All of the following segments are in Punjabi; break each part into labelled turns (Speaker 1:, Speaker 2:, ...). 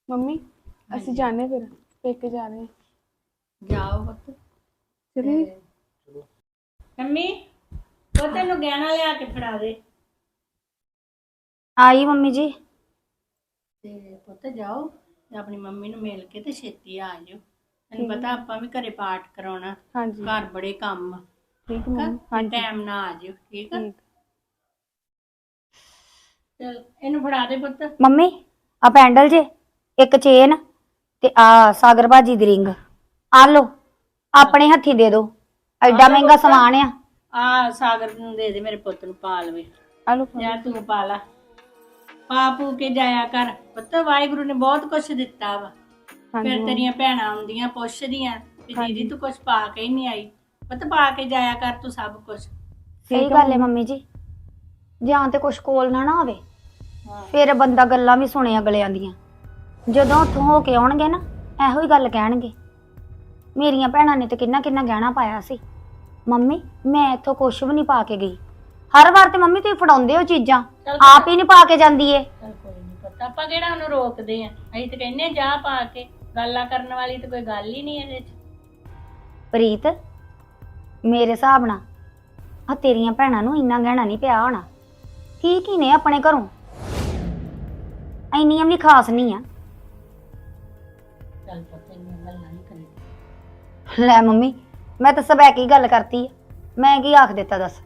Speaker 1: ਮੰਮੀ ਅਸੀਂ ਜਾਣੇ ਫਿਰ ਪੇਕੇ ਜਾ ਰਹੇ ਹਾਂ।
Speaker 2: ਜਾਓ ਪੁੱਤ।
Speaker 1: ਚਲੀ
Speaker 2: ਮੰਮੀ ਉਹ ਤੈਨੂੰ ਗਹਿਣਾ ਲਿਆ ਕੇ ਫੜਾ ਦੇ।
Speaker 3: आई मम्मी जी।
Speaker 2: ਤੇ ਪੁੱਤ ਜਾਓ ਤੇ ਆਪਣੀ ਮੰਮੀ ਨੂੰ ਮਿਲ ਕੇ ਤੇ ਛੇਤੀ ਆ ਜਾਓ। ਤੈਨੂੰ ਪਤਾ ਆਪਾਂ ਵੀ ਘਰੇ ਪਾਠ ਕਰਾਉਣਾ,
Speaker 1: ਹਾਂਜੀ
Speaker 2: ਘਰ ਬੜੇ ਕੰਮ ਆ।
Speaker 1: ਠੀਕ ਹੈ ਮੰਮੀ। ਹਾਂਜੀ
Speaker 2: ਟਾਈਮ ਨਾਲ ਆ ਜਾਓ, ਠੀਕ ਆ?
Speaker 1: ਠੀਕ
Speaker 2: ਚਲ ਇਹਨੂੰ ਫੜਾ ਦੇ ਪੁੱਤ।
Speaker 3: मम्मी आ पैंडल जे एक चेन ते आ सागर भाजी दी रिंग आ लो अपने हथी दे दो एडा
Speaker 2: लो
Speaker 3: महंगा
Speaker 2: पुत्त।
Speaker 3: समान आ।
Speaker 2: ਆ ਸਾਗਰ ਨੂੰ ਦੇ ਦੇ, ਮੇਰੇ ਪੁੱਤ ਨੂੰ ਪਾ ਲਵੇ।
Speaker 1: ਆਲੂ
Speaker 2: ਜਾਂ ਤੂੰ ਪਾ ਲਾ, ਪਾ ਪੂ ਕੇ ਜਾਇਆ ਕਰ ਪੁੱਤ। ਵਾਹਿਗੁਰੂ ਨੇ ਬਹੁਤ ਕੁਛ ਦਿੱਤਾ ਵਾ। ਫਿਰ ਤੇਰੀਆਂ ਭੈਣਾਂ ਆਉਂਦੀਆਂ ਪੁੱਛਦੀਆਂ ਕਿ ਦੀਦੀ ਤੂੰ ਕੁਛ ਪਾ ਕੇ ਹੀ ਨਹੀਂ ਆਈ। ਪੁੱਤ ਪਾ ਕੇ ਜਾਇਆ ਕਰ ਤੂੰ ਸਭ ਕੁਛ।
Speaker 3: सही गल है मम्मी जी, ਜਾਂ ਤੇ ਕੁਛ ਕੋਲ ਨਾ ਹੋਵੇ
Speaker 2: ਹਾਂ
Speaker 3: ਫਿਰ ਬੰਦਾ ਗੱਲਾਂ ਵੀ ਸੁਣੇ ਅਗਲਿਆਂ ਦੀਆਂ। ਜਦੋਂ ਉੱਥੋਂ ਹੋ ਕੇ ਆਉਣਗੇ ਨਾ ਇਹੋ ਹੀ ਗੱਲ ਕਹਿਣਗੇ, ਮੇਰੀਆਂ ਭੈਣਾਂ ਨੇ ਤੇ ਕਿੰਨਾ ਕਿੰਨਾ ਗਹਿਣਾ ਪਾਇਆ ਸੀ। ਮੰਮੀ ਮੈਂ ਇੱਥੋਂ ਕੁਛ ਵੀ ਨਹੀਂ ਪਾ ਕੇ ਗਈ। ਹਰ ਵਾਰ ਤੇ ਮੰਮੀ ਤੁਸੀਂ ਫੜਾਉਂਦੇ ਹੋ ਚੀਜ਼ਾਂ, ਆਪ ਹੀ ਨਹੀਂ ਪਾ ਕੇ ਜਾਂਦੀ ਏ।
Speaker 2: ਚਲ ਕੋਈ ਨਹੀਂ ਪੁੱਤ, ਆਪਾਂ ਕਿਹੜਾ ਉਹਨੂੰ ਰੋਕਦੇ ਆ। ਅਸੀਂ ਤੇ ਕਹਿੰਦੇ ਆ ਜਾ ਪਾ ਕੇ। ਗੱਲਾਂ ਕਰਨ ਵਾਲੀ ਤੇ ਕੋਈ ਗੱਲ ਹੀ ਨਹੀਂ ਇਹਦੇ ਚ।
Speaker 3: ਪ੍ਰੀਤ ਮੇਰੇ ਹਿਸਾਬ ਨਾਲ ਆ ਤੇਰੀਆਂ ਭੈਣਾਂ ਨੂੰ ਇੰਨਾ ਗਹਿਣਾ ਨਹੀਂ ਪਿਆ ਹੋਣਾ। ਠੀਕ ਹੀ ਨੇ ਆਪਣੇ ਘਰੋਂ, ਇੰਨੀਆਂ ਵੀ ਖਾਸ ਨਹੀਂ ਆ।
Speaker 2: ਚੱਲ ਪੁੱਤ ਇੰਨੀਆਂ ਗੱਲਾਂ ਨਹੀਂ ਕਰੀ।
Speaker 3: ਲੈ ਮੰਮੀ ਮੈਂ ਤਾਂ ਸਭ ਕੀ ਗੱਲ ਕਰਤੀ ਆ, ਮੈਂ ਕੀ ਆਖ ਦਿੱਤਾ ਦੱਸ।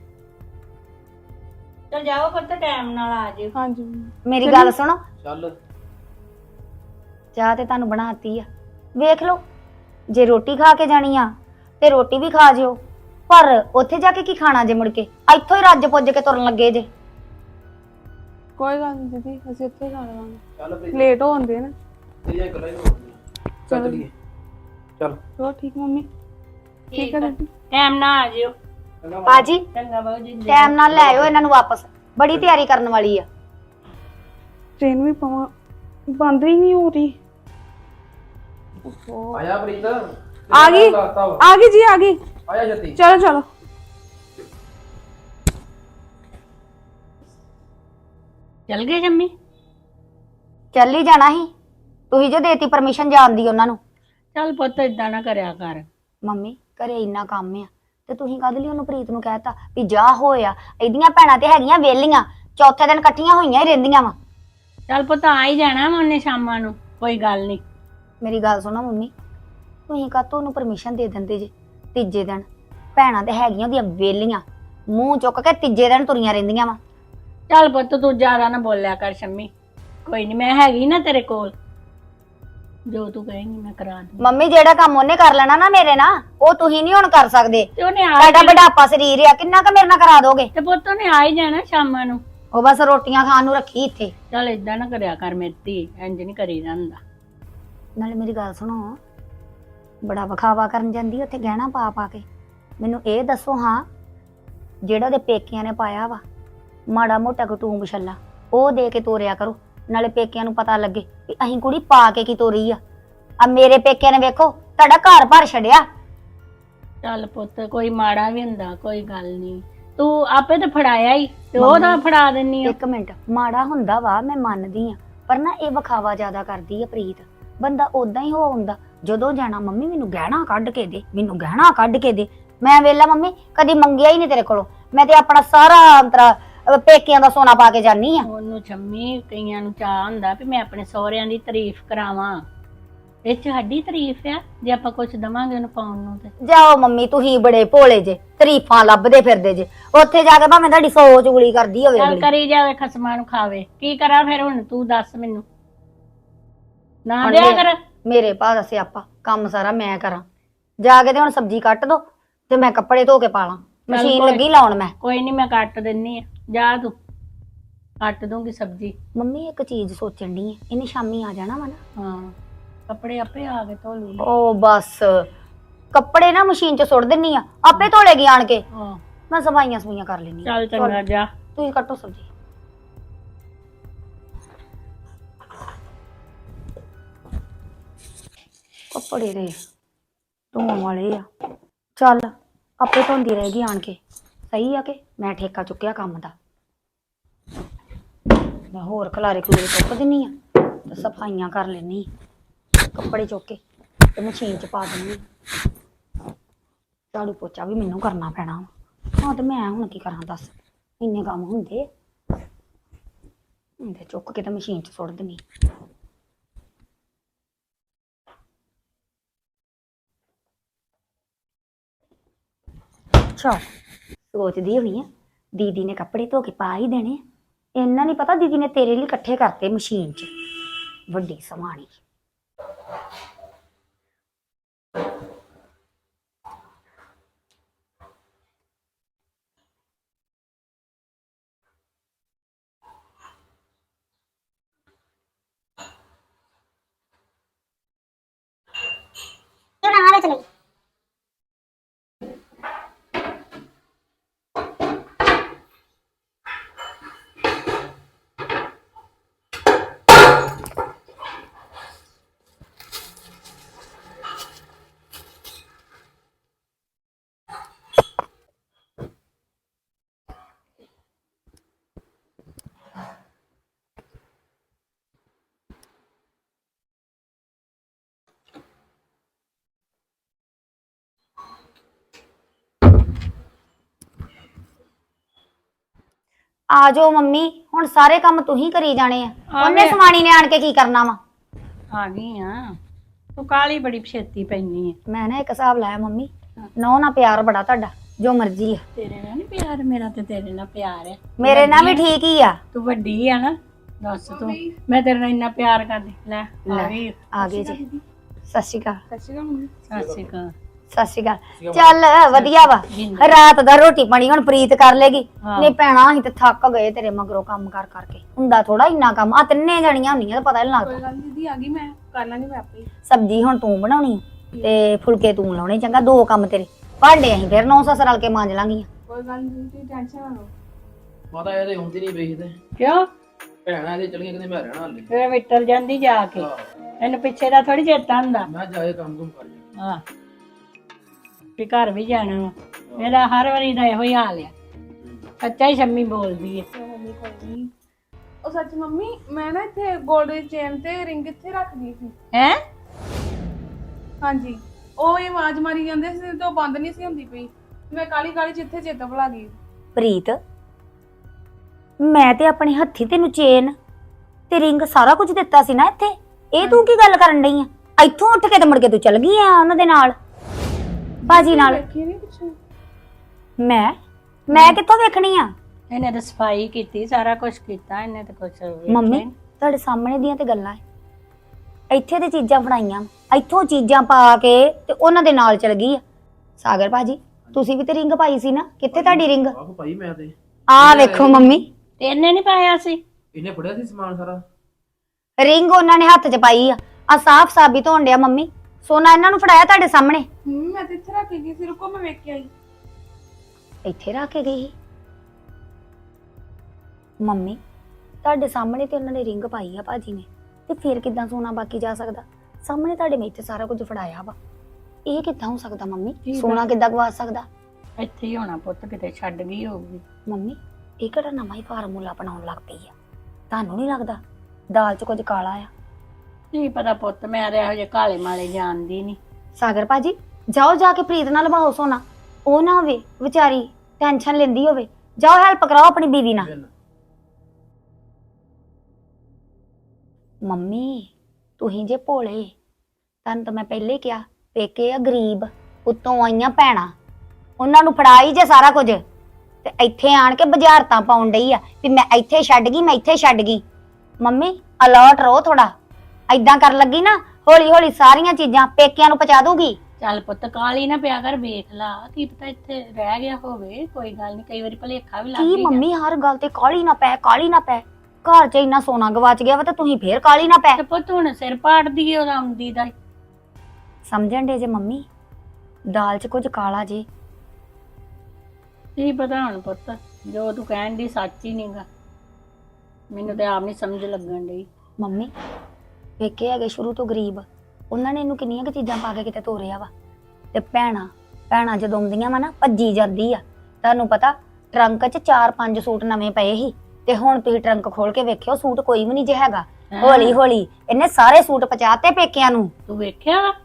Speaker 2: ਚਲ ਜਾਓ ਪੁੱਤ ਟਾਈਮ ਨਾਲ ਆ ਜਿਓ।
Speaker 1: ਹਾਂਜੀ ਮੰਮੀ।
Speaker 3: ਮੇਰੀ ਗੱਲ ਸੁਣੋ,
Speaker 4: ਚੱਲ
Speaker 3: ਚਾਹ ਤੇ ਤੁਹਾਨੂੰ ਬਣਾਤੀ ਆ, ਵੇਖ ਲਓ ਜੇ ਰੋਟੀ ਖਾ ਕੇ ਜਾਣੀ ਆ ਤੇ ਰੋਟੀ ਵੀ ਖਾ ਜਿਓ, ਪਰ ਉੱਥੇ ਜਾ ਕੇ ਕੀ ਖਾਣਾ ਜੇ ਮੁੜ ਕੇ ਇੱਥੋਂ ਹੀ ਰੱਜ ਪੁੱਜ ਕੇ ਤੁਰਨ ਲੱਗੇ ਜੇ।
Speaker 1: ਕੋਈ ਗੱਲ ਨਹੀਂ ਦੀਦੀ, ਅਸੀਂ ਉੱਥੇ ਖਾ ਲਵਾਂਗੇ।
Speaker 4: ਚੱਲ ਪ੍ਰੀਤ,
Speaker 1: ਲੇਟ ਹੋ ਹੁੰਦੇ ਨਾ।
Speaker 4: ਤੇਰੀਆਂ ਗੱਲਾਂ ਹੀ ਹੋਣਗੀਆਂ। ਚੱਲ ਚਲੀਏ। ਚੱਲ
Speaker 1: ਚਲੋ ਠੀਕ ਮੰਮੀ। ਠੀਕ ਹੈ ਦੀਦੀ।
Speaker 2: ਟਾਈਮ ਨਾਲ ਆ ਜਿਓ।
Speaker 4: ਚੰਗਾ ਮਾਤਾ।
Speaker 3: ਬਾਜੀ
Speaker 2: ਚੰਗਾ ਬਾਬੂ ਜੀ।
Speaker 3: ਟਾਈਮ ਨਾਲ ਲੈ ਆਇਓ ਇਹਨਾਂ ਨੂੰ ਵਾਪਸ, ਬੜੀ ਤਿਆਰੀ ਕਰਨ ਵਾਲੀ ਆ।
Speaker 1: ਟ੍ਰੇਨ ਵੀ ਪਵਾਂ, ਬੰਦ ਹੀ ਨਹੀਂ ਹੋ ਰਹੀ। ਓਹੋ।
Speaker 4: ਆਇਆ ਪ੍ਰੀਤ,
Speaker 1: ਆ ਗਈ ਆ ਗਈ ਜੀ, ਆ ਗਈ।
Speaker 4: ਆਇਆ ਜੱਤੀ।
Speaker 1: ਚਲੋ ਚਲੋ।
Speaker 2: ਚਲ ਗਏ ਜੰਮੀ?
Speaker 3: ਚੱਲ ਹੀ ਜਾਣਾ ਸੀ, ਤੁਸੀਂ ਜੋ ਦੇਤੀ ਪਰਮਿਸ਼ਨ ਜਾਣ ਦੀ ਉਹਨਾਂ ਨੂੰ।
Speaker 2: ਚੱਲ ਪੁੱਤ ਏਦਾਂ ਨਾ ਕਰਿਆ ਕਰ।
Speaker 3: ਮੰਮੀ ਘਰੇ ਇੰਨਾ ਕੰਮ ਆ ਤੇ ਤੁਸੀਂ ਕਦ ਲਈ ਉਹਨੂੰ ਪ੍ਰੀਤ ਨੂੰ ਕਹਿਤਾ ਵੀ ਜਾ ਹੋਇਆ। ਇਹਦੀਆਂ ਭੈਣਾਂ ਤੇ ਹੈਗੀਆਂ ਵੇਲੀਆਂ, ਚੌਥੇ ਦਿਨ ਇਕੱਠੀਆਂ ਹੋਈਆਂ ਹੀ ਰਹਿੰਦੀਆਂ ਵਾ।
Speaker 2: ਚੱਲ ਪੁੱਤ ਆ ਹੀ ਜਾਣਾ ਵਾ ਉਹਨੇ ਸ਼ਾਮਾਂ ਨੂੰ, ਕੋਈ ਗੱਲ ਨਹੀਂ।
Speaker 3: ਮੇਰੀ ਗੱਲ ਸੁਣੋ ਮੰਮੀ, ਤੁਸੀਂ ਕਾਹਤੋਂ ਉਹਨੂੰ ਪਰਮਿਸ਼ਨ ਦੇ ਦਿੰਦੇ ਜੇ ਤੀਜੇ ਦਿਨ? ਭੈਣਾਂ ਤੇ ਹੈਗੀਆਂ ਉਹਦੀਆਂ ਵੇਲੀਆਂ, ਮੂੰਹ ਚੁੱਕ ਕੇ ਤੀਜੇ ਦਿਨ ਤੁਰੀਆਂ ਰਹਿੰਦੀਆਂ ਵਾ।
Speaker 2: ਚੱਲ ਪੁੱਤ ਤੂੰ ਜ਼ਿਆਦਾ ਨਾ ਬੋਲਿਆ ਕਰ ਸ਼ੰਮੀ। ਕੋਈ ਨਹੀਂ, ਮੈਂ ਹੈਗੀ ਨਾ ਤੇਰੇ ਕੋਲ, ਜੋ ਤੂੰ ਕਹੇਂਗੀ ਮੈਂ ਕਰਾ ਦੂੰ।
Speaker 3: ਮੰਮੀ ਜਿਹੜਾ ਕੰਮ ਉਹਨੇ ਕਰ ਲੈਣਾ ਨਾ ਮੇਰੇ ਨਾਲ, ਉਹ ਤੁਸੀਂ ਨਹੀਂ ਹੁਣ ਕਰ ਸਕਦੇ।
Speaker 2: ਤੇ ਉਹਨੇ ਆ
Speaker 3: ਤੁਹਾਡਾ ਬੁਢਾਪਾ ਸਰੀਰ ਆ, ਕਿੰਨਾ ਕੁ ਮੇਰੇ ਨਾਲ ਕਰਾ ਦੋਗੇ?
Speaker 2: ਤੇ ਪੁੱਤ ਉਹਨੇ ਆ ਹੀ ਜਾਣਾ ਸ਼ਾਮਾਂ ਨੂੰ।
Speaker 3: ਉਹ ਬਸ ਰੋਟੀਆਂ ਖਾਣ ਨੂੰ ਰੱਖੀ ਇੱਥੇ।
Speaker 2: ਚੱਲ ਏਦਾਂ ਨਾ ਕਰਿਆ ਕਰ ਮੇਰੀ ਧੀ, ਇੰਜ ਨਹੀਂ ਕਰੀਦਾ ਹੁੰਦਾ।
Speaker 3: ਨਾਲੇ ਮੇਰੀ ਗੱਲ ਸੁਣੋ, ਬੜਾ ਵਿਖਾਵਾ ਕਰਨ ਜਾਂਦੀ ਉੱਥੇ ਗਹਿਣਾ ਪਾ ਪਾ ਕੇ। ਮੈਨੂੰ ਇਹ ਦੱਸੋ ਹਾਂ, ਜਿਹੜਾ ਉਹਦੇ ਪੇਕਿਆਂ ਨੇ ਪਾਇਆ ਵਾ ਮਾੜਾ ਮੋਟਾ ਕਟੂੰਬ ਛੱਲਾ, ਉਹ ਦੇ ਕੇ ਤੋਰਿਆ ਕਰੋ, ਨਾਲੇ ਪੇਕਿਆਂ ਨੂੰ ਪਤਾ ਲੱਗੇ ਵੀ ਅਸੀਂ ਕੁੜੀ ਪਾ ਕੇ ਕੀ ਤੋਰੀ ਆ। ਆ ਮੇਰੇ ਪੇਕਿਆਂ ਨੇ ਵੇਖੋ ਤੁਹਾਡਾ ਘਰ ਭਰ ਛੱਡਿਆ।
Speaker 2: ਚੱਲ ਪੁੱਤ ਕੋਈ ਮਾੜਾ ਵੀ ਹੁੰਦਾ, ਕੋਈ ਗੱਲ ਨਹੀਂ। ਤੂੰ ਆਪੇ ਤਾਂ ਫੜਾਇਆ ਹੀ ਤੇ ਉਹ ਤਾਂ ਫੜਾ ਦਿੰਨੀ ਆ।
Speaker 3: ਇੱਕ ਮਿੰਟ, ਮਾੜਾ ਹੁੰਦਾ ਵਾ ਮੈਂ ਮੰਨਦੀ ਆ, ਪਰ ਨਾ ਇਹ ਵਿਖਾਵਾ ਜ਼ਿਆਦਾ ਕਰਦੀ ਆ ਪ੍ਰੀਤ। ਬੰਦਾ ਉਦਾਂ ਹੀ ਹੋ ਹੁੰਦਾ, ਜਦੋਂ ਜਾਣਾ ਮੰਮੀ ਮੈਨੂੰ ਗਹਿਣਾ ਕੱਢ ਕੇ ਦੇ, ਮੈਨੂੰ ਗਹਿਣਾ ਕੱਢ ਕੇ ਦੇ। ਮੈਂ ਵੇਲਾ ਮੰਮੀ ਕਦੀ ਮੰਗਿਆ ਹੀ ਨਹੀਂ ਤੇਰੇ ਕੋਲੋਂ, ਮੈਂ ਤੇ ਆਪਣਾ ਸਾਰਾ ਅੰਤਰਾ ਪੇਕਿਆਂ ਦਾ ਸੋਨਾ ਪਾ ਕੇ ਜਾਨੀ ਆ।
Speaker 2: ਉਹਨੂੰ ਛੰਮੀ ਕਈਆਂ ਨੂੰ ਚਾਹ ਹੁੰਦਾ ਵੀ ਮੈਂ ਆਪਣੇ ਸਹੁਰਿਆਂ ਦੀ ਤਾਰੀਫ ਕਰਾਵਾਂ। ਇਹ ਚ ਸਾਡੀ ਤਾਰੀਫ ਆ ਜੇ ਆਪਾਂ ਕੁਝ ਦਵਾਂਗੇ ਉਹਨੂੰ ਪਾਉਣ ਨੂੰ। ਤੇ
Speaker 3: ਜਾਓ ਮੰਮੀ, ਤੁਸੀਂ ਬੜੇ ਭੋਲੇ ਜੇ, ਤਾਰੀਫਾਂ ਲੱਭਦੇ ਫਿਰਦੇ ਜੇ। ਉੱਥੇ ਜਾ ਕੇ ਭਾਵੇਂ ਤੁਹਾਡੀ 100 ਚੁਗਲੀ ਕਰਦੀ ਹੋਵੇ
Speaker 2: ਚੱਲ
Speaker 3: ਅਗਲੀ।
Speaker 2: ਕਰੀ ਜਾਵੇ, ਖਸਮਾਂ ਨੂੰ ਖਾਵੇ। ਕੀ ਕਰਾਂ ਫਿਰ ਹੁਣ ਤੂੰ ਦੱਸ ਮੈਨੂੰ, ਨਾ
Speaker 3: ਹੁਣ
Speaker 2: ਦਿਆ ਕਰ।
Speaker 3: ਮੇਰੇ ਭਾ ਦਾ ਸਿਆਪਾ, ਕੰਮ ਸਾਰਾ ਮੈਂ ਕਰਾਂ। ਜਾ ਕੇ ਤੇ ਹੁਣ ਸਬਜ਼ੀ ਕੱਟ ਦੋ ਤੇ ਮੈਂ ਕੱਪੜੇ ਧੋ ਕੇ ਪਾ ਲਾਂ, ਮਸ਼ੀਨ
Speaker 2: ਕੋਈ-
Speaker 3: ਲੱਗੀ ਲਾਉਣ ਮੈਂ।
Speaker 2: ਕੋਈ ਨਹੀਂ ਮੈਂ ਕੱਟ ਦਿੰਨੀ ਆ, ਜਾ ਤੂੰ ਕੱਟ ਦੂੰਗੀ ਸਬਜ਼ੀ।
Speaker 3: ਮੰਮੀ ਇੱਕ ਚੀਜ਼ ਸੋਚਣ ਦੀ ਹੈ, ਇਹਨੇ ਸ਼ਾਮੀ ਆ ਜਾਣਾ ਵਾ ਨਾ।
Speaker 2: ਹਾਂ ਕੱਪੜੇ ਆਪੇ ਆ ਕੇ ਧੋ ਲੂੰਗੀ।
Speaker 3: ਉਹ ਬਸ ਕੱਪੜੇ ਨਾ ਮਸ਼ੀਨ 'ਚ ਸੁੱਟ ਦਿੰਨੀ ਆ, ਆਪੇ ਧੋਲੇਗੀ ਆਣ ਕੇ।
Speaker 2: ਹਾਂ
Speaker 3: ਮੈਂ ਸਫਾਈਆਂ ਸਫਾਈਆਂ ਕਰ ਲੈਣੀ।
Speaker 2: ਚੱਲ ਚੰਗਾ ਜਾ।
Speaker 3: ਤੁਸੀਂ ਕੱਟੋ ਸਬਜ਼ੀ। ਕੱਪੜੇ ਦੇ ਧੋਣ ਵਾਲੇ ਆ, ਚੱਲ ਆਪੇ ਧੋਂਦੀ ਰਹੇਗੀ ਆਣ ਕੇ। ਸਹੀ ਆ ਕਿ ਮੈਂ ਠੇਕਾ ਚੁੱਕਿਆ ਕੰਮ ਦਾ। ਮੈਂ ਹੋਰ ਖਲਾਰੇ ਖਲੂਰੇ ਚੁੱਕ ਦਿੰਨੀ ਆ। ਤੇ ਸਫਾਈਆਂ ਕਰ ਲੈਣੀ, ਕੱਪੜੇ ਚੁੱਕ ਕੇ ਤੇ ਮਸ਼ੀਨ 'ਚ ਪਾ ਦੇਣੀ। ਝਾੜੂ ਪੋਚਾ ਵੀ ਮੈਨੂੰ ਕਰਨਾ ਪੈਣਾ। ਹਾਂ ਤੇ ਮੈਂ ਹੁਣ ਕੀ ਕਰਾਂ ਦੱਸ, ਇੰਨੇ ਕੰਮ ਹੁੰਦੇ ਹੁੰਦੇ ਚੁੱਕ ਕੇ ਤੇ ਮਸ਼ੀਨ 'ਚ ਸੁੱਟ ਦੇਣੀ। ਅੱਛਾ ਸੋਚਦੀ ਹੋਈ ਆ ਦੀਦੀ ਨੇ ਕੱਪੜੇ ਧੋ ਕੇ ਪਾ ਹੀ ਦੇਣੇ, ਇੰਨਾ ਨਹੀਂ ਪਤਾ ਦੀਦੀ ਨੇ ਤੇਰੇ ਲਈ ਇਕੱਠੇ ਕਰਤੇ ਮਸ਼ੀਨ 'ਚ। ਵੱਡੀ ਸਮਾਣੀ। ਆ ਜਾਓ ਮੰਮੀ, ਹੁਣ ਸਾਰੇ ਕੰਮ ਤੁਸੀਂ ਕਰੀ ਜਾਣੇ ਆ। ਉਹਨੇ ਸਮਾਣੀ ਨੇ ਆਣ ਕੇ ਕੀ ਕਰਨਾ ਵਾ?
Speaker 2: ਆ ਗਈ ਆ। ਤੂੰ ਕਾਲੀ ਬੜੀ ਛੇਤੀ ਪੈਣੀ ਹੈ।
Speaker 3: ਮੈਂ ਨਾ ਇੱਕ ਹਿਸਾਬ ਲਾਇਆ ਮੰਮੀ, ਨੌ ਨਾਲ ਪਿਆਰ ਬੜਾ ਤੁਹਾਡਾ, ਜੋ ਮਰਜ਼ੀ ਆ।
Speaker 2: ਤੇਰੇ ਨਾਲ ਨਹੀਂ ਪਿਆਰ, ਮੇਰਾ ਤੇ ਤੇਰੇ ਨਾਲ ਪਿਆਰ ਹੈ।
Speaker 3: ਮੇਰੇ ਨਾਲ ਵੀ ਠੀਕ ਹੀ ਆ।
Speaker 2: ਤੂੰ ਵੱਡੀ ਆ ਨਾ, ਦੱਸ ਤੂੰ ਮੈਂ ਤੇਰੇ ਨਾਲ ਇੰਨਾ ਪਿਆਰ ਕਰਦੀ। ਲੈ ਆ ਗਈ।
Speaker 3: ਆ ਗਏ ਜੀ। ਸਤਿ ਸ਼੍ਰੀ ਅਕਾਲ।
Speaker 2: ਸਤਿ ਸ਼੍ਰੀ ਅਕਾਲ।
Speaker 3: ਸਤਿ ਸ਼੍ਰੀ ਅਕਾਲ। ਚੱਲ ਵਧੀਆ ਵਾ, ਰਾਤ ਦਾ ਰੋਟੀ ਪਾਣੀ ਹੁਣ ਪ੍ਰੀਤ ਕਰ ਲੇਗੀ। ਨਹੀਂ ਭੈਣਾ ਅਸੀਂ ਤੇ ਥੱਕ ਗਏ ਤੇਰੇ ਮਗਰੋਂ ਕੰਮ ਕਰ ਕਰਕੇ। ਹੁੰਦਾ ਥੋੜਾ ਇੰਨਾ ਕੰਮ, ਆ ਤਿੰਨੇ ਜਣੀਆਂ ਹੁੰਦੀਆਂ ਤਾਂ ਪਤਾ ਨਹੀਂ ਲੱਗਦਾ।
Speaker 1: ਦੀਦੀ ਆ ਗਈ, ਮੈਂ ਕਰ ਲਾਂਗੀ ਮੈਂ ਆਪੇ।
Speaker 3: ਸਬਜ਼ੀ ਹੁਣ ਤੂੰ ਬਣਾਉਣੀ ਤੇ ਫੁਲਕੇ ਤੂੰ ਲਾਉਣੇ, ਚੰਗਾ ਦੋ ਕੰਮ ਤੇਰੇ। ਭਾਂਡੇ ਅਸੀਂ ਫਿਰ ਨੌ ਸੱਸ ਰਲ ਕੇ ਮਾਂਜ ਲਾਂਗੀਆਂ।
Speaker 1: ਕੋਈ ਗੱਲ ਨਹੀਂ, ਤੁਸੀਂ ਟੈਨਸ਼ਨ ਨਾ ਲਓ।
Speaker 4: ਮਾਤਾ ਇਹਦੇ ਹੁੰਦੀ ਨਹੀਂ ਪਈ ਤੇ
Speaker 2: ਕਿਉਂ
Speaker 4: ਭੈਣਾਂ ਇਹਦੇ ਚਲੀਆਂ ਕਿਤੇ ਮੈਂ ਰਹਿਣਾ ਹਾਲੇ।
Speaker 2: ਫਿਰ ਮਿੱਟਲ ਜਾਂਦੀ ਜਾ ਕੇ, ਇਹਨੂੰ ਪਿੱਛੇ ਦਾ ਥੋੜੀ ਚੇਤਾ ਹੁੰਦਾ।
Speaker 4: ਮੈਂ ਜਾਏ ਕੰਮ ਕੁਮ ਕਰ ਜਾ।
Speaker 2: ਹਾਂ ਵੀ ਘਰ ਵੀ ਜਾਣਾ ਵਾ। ਮੇਰਾ ਹਰ ਵਾਰੀ ਦਾ ਇਹੋ ਹੀ ਹਾਲ ਆ। ਸੱਚਾ ਹੀ ਸ਼ੰਮੀ ਬੋਲਦੀ ਹੈ।
Speaker 1: ਮੰਮੀ ਕੋਈ ਨਹੀਂ। ਉਹ ਸੱਚ ਮੰਮੀ, ਮੈਂ ਨਾ ਇੱਥੇ 골ਡ ਦੀ ਚੇਨ ਤੇ ਰਿੰਗ ਇੱਥੇ ਰੱਖ ਗਈ ਸੀ।
Speaker 2: ਹੈ
Speaker 1: ਹਾਂਜੀ, ਉਹ ਹੀ ਆਵਾਜ਼ ਮਾਰੀ ਜਾਂਦੇ ਸੀ ਤੇ ਉਹ ਬੰਦ ਨਹੀਂ ਸੀ ਹੁੰਦੀ ਪਈ। ਮੈਂ ਕਾਲੀ ਕਾਲੀ ਜਿੱਥੇ ਚੇਤਾ ਭੁਲਾ ਗਈ।
Speaker 3: ਪ੍ਰੀਤ, ਮੈਂ ਤੇ ਆਪਣੇ ਹੱਥੀ ਤੈਨੂੰ ਚੇਨ ਤੇ ਰਿੰਗ ਸਾਰਾ ਕੁਝ ਦਿੱਤਾ ਸੀ ਨਾ ਇੱਥੇ। ਇਹ ਤੂੰ ਕੀ ਗੱਲ ਕਰਨ ਡਈ ਆ? ਇੱਥੋਂ ਉੱਠ ਕੇ ਤੇ ਮੁੜ ਕੇ ਤੂੰ ਚਲ ਗਈ ਆ ਉਹਨਾਂ ਦੇ ਨਾਲ, ਬਾਜੀ ਨਾਲ।
Speaker 1: ਵੇਖੀ ਨਹੀਂ ਪਿੱਛੇ।
Speaker 3: ਮੈਂ ਕਿੱਥੋਂ ਵੇਖਣੀ ਆ?
Speaker 2: ਇਹਨੇ ਤਾਂ ਸਫਾਈ ਕੀਤੀ, ਸਾਰਾ ਕੁਝ ਕੀਤਾ ਇਹਨੇ ਤਾਂ ਕੁਝ।
Speaker 3: ਮੰਮੀ ਤੁਹਾਡੇ ਸਾਹਮਣੇ ਦੀਆਂ ਤੇ ਗੱਲਾਂ ਐ। ਇੱਥੇ ਤੇ ਚੀਜ਼ਾਂ ਫੜਾਈਆਂ, ਇੱਥੋਂ ਚੀਜ਼ਾਂ ਪਾ ਕੇ ਤੇ ਉਹਨਾਂ ਦੇ ਨਾਲ ਚਲ ਗਈ ਆ। ਸਾਗਰ ਭਾਜੀ ਤੁਸੀਂ ਵੀ ਤੇ ਰਿੰਗ ਪਾਈ ਸੀ ਨਾ, ਕਿੱਥੇ ਤੁਹਾਡੀ ਰਿੰਗ?
Speaker 4: ਆਹੋ ਭਾਈ ਮੈਂ ਤੇ
Speaker 3: ਆ ਵੇਖੋ ਮੰਮੀ,
Speaker 2: ਤੇ ਇਹਨੇ ਨਹੀਂ ਪਾਇਆ ਸੀ।
Speaker 4: ਇਹਨੇ ਫੜਿਆ ਸੀ ਸਮਾਨ ਸਾਰਾ।
Speaker 3: ਰਿੰਗ ਉਹਨਾਂ ਨੇ ਹੱਥ 'ਚ ਪਾਈ ਆ ਸਾਫ਼ ਸਾਬਿਤ ਹੋਣ ਡਿਆ। ਮੰਮੀ ਸੋਨਾ ਇਹਨਾਂ ਨੂੰ ਫੜਾਇਆ ਤੁਹਾਡੇ ਸਾਹਮਣੇ।
Speaker 1: ਮੈਂ ਤੇ ਇੱਥੇ ਰੱਖ ਕੇ ਗਈ ਸੀ, ਰੁਕੋ ਮੈਂ ਵੇਖ ਕੇ ਆਈ।
Speaker 3: ਇੱਥੇ ਰੱਖ ਕੇ ਗਈ ਸੀ ਮੰਮੀ? ਤੁਹਾਡੇ ਸਾਹਮਣੇ ਤੇ ਉਹਨਾਂ ਨੇ ਰਿੰਗ ਪਾਈ ਆ ਭਾਜੀ ਨੇ, ਤੇ ਫਿਰ ਕਿੱਦਾਂ ਸੋਨਾ ਬਾਕੀ ਜਾ ਸਕਦਾ? ਸਾਹਮਣੇ ਤੁਹਾਡੇ ਮੈਂ ਇੱਥੇ ਸਾਰਾ ਕੁਝ ਫੜਾਇਆ ਵਾ, ਇਹ ਕਿੱਦਾਂ ਹੋ ਸਕਦਾ ਮੰਮੀ? ਸੋਨਾ ਕਿੱਦਾਂ ਗਵਾ ਸਕਦਾ?
Speaker 2: ਇੱਥੇ ਹੀ ਹੋਣਾ ਪੁੱਤ, ਕਿਤੇ ਛੱਡ ਗਈ ਹੋਊਗੀ।
Speaker 3: ਮੰਮੀ ਇਹ ਕਿਹੜਾ ਨਵਾਂ ਹੀ ਫਾਰਮੂਲਾ ਬਣਾਉਣ ਲੱਗ ਪਈ ਆ? ਤੁਹਾਨੂੰ ਨਹੀਂ ਲੱਗਦਾ ਦਾਲ 'ਚ ਕੁਝ ਕਾਲਾ ਆ?
Speaker 2: ਨਹੀਂ ਪਤਾ ਪੁੱਤ, ਮੈਂ ਤੇ ਇਹੋ ਜਿਹੇ ਕਾਲੇ ਮਾਲੇ ਜਾਣਦੀ ਨਹੀਂ।
Speaker 3: ਸਾਗਰ ਭਾਜੀ ਜਾਓ ਜਾ ਕੇ ਪ੍ਰੀਤ ਨਾਲ ਲਵਾਓ ਸੋਨਾ, ਉਹ ਨਾ ਹੋਵੇ ਵਿਚਾਰੀ ਟੈਨਸ਼ਨ ਲੈਂਦੀ ਹੋਵੇ। ਜਾਓ ਹੈਲਪ ਕਰਾਓ ਆਪਣੀ ਬੀਵੀ ਨਾਲ। ਮੰਮੀ ਤੁਸੀਂ ਜੇ ਭੋਲੇ, ਤੁਹਾਨੂੰ ਤਾਂ ਮੈਂ ਪਹਿਲੇ ਕਿਹਾ ਪੇਕੇ ਆ ਗਰੀਬ, ਉੱਤੋਂ ਆਈਆਂ ਭੈਣਾਂ, ਉਹਨਾਂ ਨੂੰ ਫੜਾਈ ਜੇ ਸਾਰਾ ਕੁਝ, ਤੇ ਇੱਥੇ ਆਣ ਕੇ ਬੁਝਾਰਤਾਂ ਪਾਉਣ ਡਈ ਆ ਵੀ ਮੈਂ ਇੱਥੇ ਛੱਡ ਗਈ, ਮੈਂ ਇੱਥੇ ਛੱਡ ਗਈ। ਮੰਮੀ ਅਲਰਟ ਰਹੋ ਥੋੜਾ, ਐਦਾਂ ਕਰਨ ਲੱਗੀ ਨਾ ਹੌਲੀ ਹੌਲੀ ਸਾਰੀਆਂ ਚੀਜ਼ਾਂ ਪੇਕਿਆਂ ਨੂੰ ਪਹੁੰਚਾ ਦੂਗੀ।
Speaker 2: ਚੱਲ ਪੁੱਤ ਕਾਲੀ ਨਾ ਪਿਆ ਕਰ, ਵੇਖ ਲਾ ਕੀ ਪਤਾ ਇੱਥੇ ਰਹਿ ਗਿਆ ਹੋਵੇ। ਕੋਈ ਗੱਲ ਨਹੀਂ, ਕਈ ਵਾਰੀ ਭੁਲੇਖਾ ਵੀ ਲੱਗ
Speaker 3: ਕੀ
Speaker 2: ਜਾਂਦਾ।
Speaker 3: ਮੰਮੀ ਹਰ ਗੱਲ ਤੇ ਕਾਲੀ ਨਾ ਪੈ, ਕਾਲੀ ਨਾ ਪੈ। ਘਰ 'ਚ ਇੰਨਾ ਸੋਨਾ ਗਵਾਚ ਗਿਆ ਵਾ ਤੇ ਤੁਸੀਂ ਫੇਰ ਕਾਲੀ ਨਾ ਪੈ।
Speaker 2: ਤੇ ਪੁੱਤ ਹੁਣ ਸਿਰ ਪਾੜਦੀ ਏ ਉਹਦਾ ਆਉਂਦੀ ਦਾ।
Speaker 3: ਸਮਝਣ ਦੇ ਜੇ ਮੰਮੀ, ਦਾਲ 'ਚ ਕੁਝ ਕਾਲਾ ਜੇ।
Speaker 2: ਕੀ ਪਤਾ ਹੁਣ ਪੁੱਤ, ਜੋ ਤੂੰ ਕਹਿਣ ਦੀ ਸੱਚ ਹੀ ਨਹੀਂਗਾ। ਮੈਨੂੰ ਤੇ ਆਪ ਨਹੀਂ ਸਮਝ ਲੱਗਣ ਡਈ।
Speaker 3: ਮੰਮੀ ਵੇਖੇ ਹੈਗੇ ਸ਼ੁਰੂ ਤੋਂ ਗਰੀਬ, ਉਹਨਾਂ ਨੇ ਇਹਨੂੰ ਕਿੰਨੀਆਂ ਕੁ ਚੀਜ਼ਾਂ ਪਾ ਕੇ ਕਿਤੇ ਤੋਰਿਆ ਵਾ। ਤੇ ਭੈਣਾਂ ਜਦੋਂ ਆਉਂਦੀਆਂ ਵਾ ਨਾ ਭੱਜੀ ਜਾਂਦੀ ਆ। ਤੁਹਾਨੂੰ ਪਤਾ ਟਰੰਕ 'ਚ 4-5 ਸੂਟ ਨਵੇਂ ਪਏ ਸੀ, ਤੇ ਹੁਣ ਤੁਸੀਂ ਟਰੰਕ ਖੋਲ ਕੇ ਵੇਖਿਓ ਸੂਟ ਕੋਈ ਵੀ ਨਹੀਂ ਜੇ ਹੈਗਾ। ਹੌਲੀ ਹੌਲੀ ਇਹਨੇ ਸਾਰੇ ਸੂਟ ਪਚਾਤੇ ਪੇਕਿਆਂ ਨੂੰ।
Speaker 2: ਤੂੰ ਵੇਖਿਆ ਵਾ?